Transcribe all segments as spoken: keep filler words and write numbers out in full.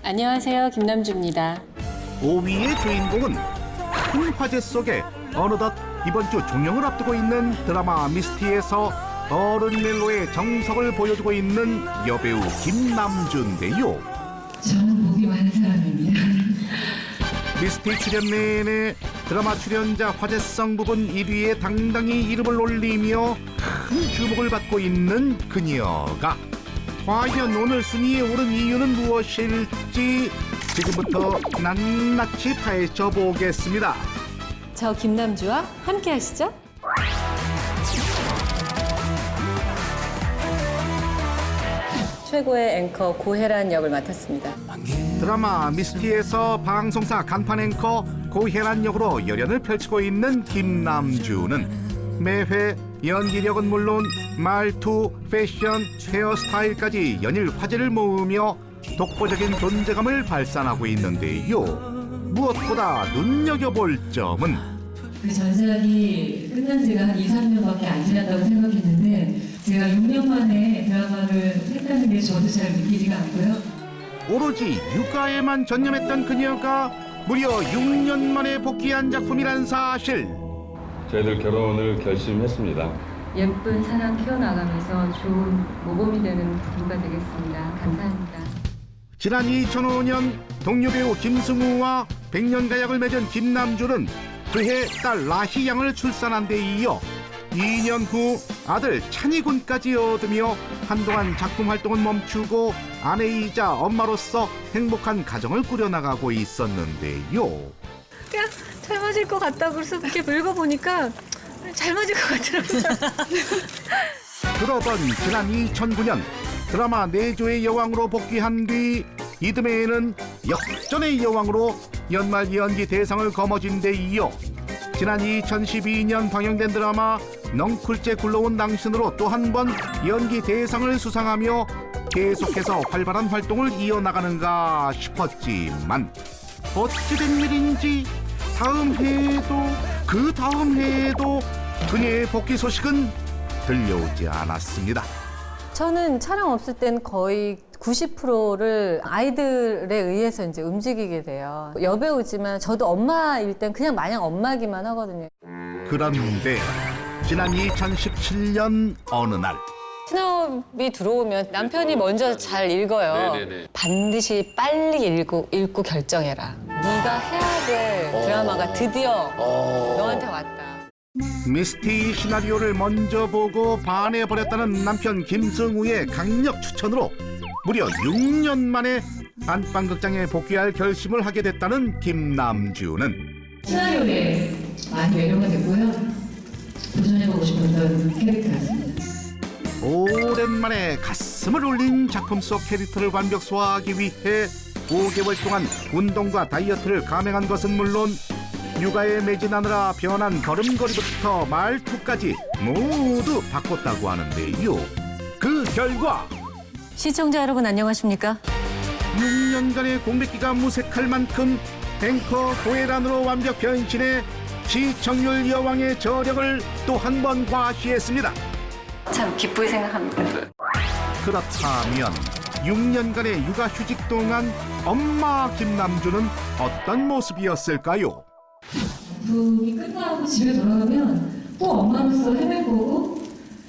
안녕하세요, 김남주입니다. 오 위의 주인공은 큰 화제 속에 어느덧 이번 주 종영을 앞두고 있는 드라마 미스티에서 어른 멜로의 정석을 보여주고 있는 여배우 김남주인데요. 저는 목이 많은 사람입니다. 미스티 출연 내내 드라마 출연자 화제성 부분 일 위에 당당히 이름을 올리며 큰 주목을 받고 있는 그녀가 과연 오늘 순위에 오른 이유는 무엇일지 지금부터 낱낱이 파헤쳐 보겠습니다. 저 김남주와 함께 하시죠. 최고의 앵커 고혜란 역을 맡았습니다. 드라마 미스티에서 방송사 간판 앵커 고혜란 역으로 열연을 펼치고 있는 김남주는 매회 연기력은 물론 말투, 패션, 헤어스타일까지 연일 화제를 모으며 독보적인 존재감을 발산하고 있는데요. 무엇보다 눈여겨볼 점은 그 전작이 끝난 지가 한 이, 삼 년밖에 안 지났다고 생각했는데 제가 육 년 만에 드라마를 했다는 게 저도 잘 믿기지가 않고요. 오로지 육아에만 전념했던 그녀가 무려 육 년 만에 복귀한 작품이란 사실. 저희들 결혼을 결심했습니다. 예쁜 사랑 키워나가면서 좋은 모범이 되는 부부가 되겠습니다. 감사합니다. 지난 이천오 년 동료 배우 김승우와 백년가약을 맺은 김남주는 그해 딸 라희 양을 출산한 데 이어 이 년 후 아들 찬이군까지 얻으며 한동안 작품 활동은 멈추고 아내이자 엄마로서 행복한 가정을 꾸려나가고 있었는데요. 그냥 잘 맞을 것 같다고 그래서 이렇게 읽어보니까 잘 맞을 것 같더라고요. 그러던 지난 이천구 년 드라마 내조의 여왕으로 복귀한 뒤 이듬해에는 역전의 여왕으로 연말 연기 대상을 거머쥔 데 이어 지난 이천십이 년 방영된 드라마 넝쿨째 굴러온 당신으로 또 한 번 연기 대상을 수상하며 계속해서 활발한 활동을 이어나가는가 싶었지만 어찌된 일인지 다음 해에도 그 다음 해에도 그녀의 복귀 소식은 들려오지 않았습니다. 저는 촬영 없을 땐 거의 구십 퍼센트를 아이들에 의해서 이제 움직이게 돼요. 여배우지만 저도 엄마일 땐 그냥 마냥 엄마기만 하거든요. 그런데 지난 이천십칠 년 어느 날 신업이 들어오면 남편이 먼저 잘 읽어요. 네네네. 반드시 빨리 읽고, 읽고 결정해라. 네가 해야 될 드라마가 드디어 너한테 왔다. 미스티 시나리오를 먼저 보고 반해버렸다는 남편 김승우의 강력 추천으로 무려 육 년 만에 안방극장에 복귀할 결심을 하게 됐다는 김남주는 시나리오에 많이 매료가 됐고요. 도전해보고 싶었던 캐릭터였습니다. 오랜만에 가슴을 울린 작품 속 캐릭터를 완벽 소화하기 위해 오 개월 동안 운동과 다이어트를 감행한 것은 물론 육아에 매진하느라 변한 걸음걸이부터 말투까지 모두 바꿨다고 하는데요. 그 결과 시청자 여러분 안녕하십니까? 육 년간의 공백기가 무색할 만큼 앵커 고혜란으로 완벽 변신해 시청률 여왕의 저력을 또 한 번 과시했습니다. 참 기쁘게 생각합니다. 그렇다면 육 년간의 육아 휴직 동안 엄마 김남주는 어떤 모습이었을까요? 작품이 끝나고 집에 돌아가면 또 엄마로서 헤매고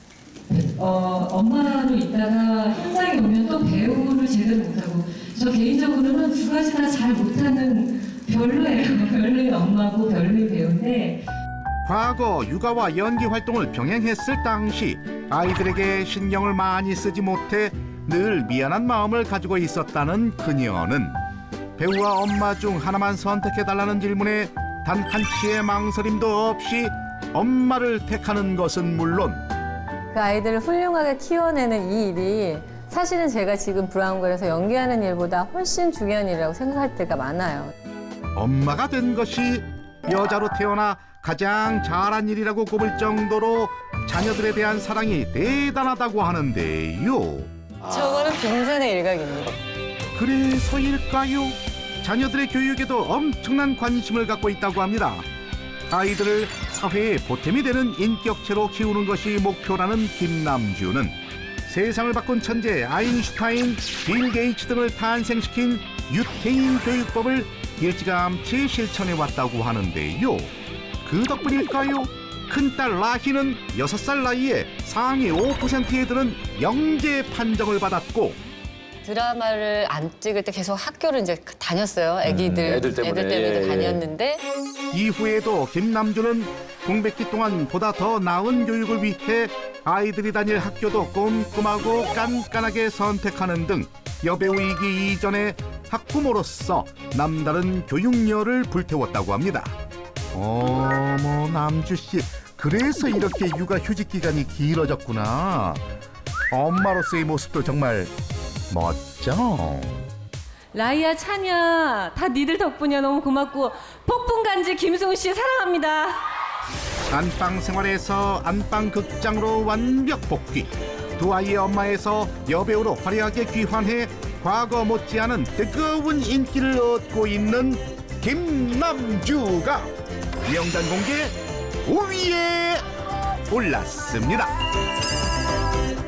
어, 엄마로 있다가 현장에 오면 또 배우를 제대로 못하고 저 개인적으로는 두 가지 다 잘 못하는 별로예요. 별로의 엄마고 별로의 배우인데 과거 육아와 연기 활동을 병행했을 당시 아이들에게 신경을 많이 쓰지 못해 늘 미안한 마음을 가지고 있었다는 그녀는 배우와 엄마 중 하나만 선택해달라는 질문에 단 한치의 망설임도 없이 엄마를 택하는 것은 물론 그 아이들을 훌륭하게 키워내는 이 일이 사실은 제가 지금 브라운관에서 연기하는 일보다 훨씬 중요한 일이라고 생각할 때가 많아요. 엄마가 된 것이 여자로 태어나 가장 잘한 일이라고 꼽을 정도로 자녀들에 대한 사랑이 대단하다고 하는데요. 저거는 빙산의 일각입니다. 그래서일까요? 자녀들의 교육에도 엄청난 관심을 갖고 있다고 합니다. 아이들을 사회의 보탬이 되는 인격체로 키우는 것이 목표라는 김남주는 세상을 바꾼 천재 아인슈타인, 빌 게이츠 등을 탄생시킨 유태인 교육법을 일찌감치 실천해 왔다고 하는데요. 그 덕분일까요? 큰딸 라희는 여섯 살 나이에 상위 오 퍼센트에 드는 영재 판정을 받았고 드라마를 안 찍을 때 계속 학교를 이제 다녔어요. 애기들, 음, 애들 때문에. 애들 때문에 예, 예. 다녔는데 이후에도 김남주는 공백기 동안 보다 더 나은 교육을 위해 아이들이 다닐 학교도 꼼꼼하고 깐깐하게 선택하는 등 여배우이기 이전에 학부모로서 남다른 교육열을 불태웠다고 합니다. 어머 남주씨, 그래서 이렇게 육아 휴직 기간이 길어졌구나. 엄마로서의 모습도 정말 멋져. 라이야, 찬이야, 다 니들 덕분이야. 너무 고맙고 폭풍간지 김승우 씨 사랑합니다. 안방 생활에서 안방 극장으로 완벽 복귀. 두 아이의 엄마에서 여배우로 화려하게 귀환해 과거 못지않은 뜨거운 인기를 얻고 있는 김남주가 명단 공개 오 위에 올랐습니다.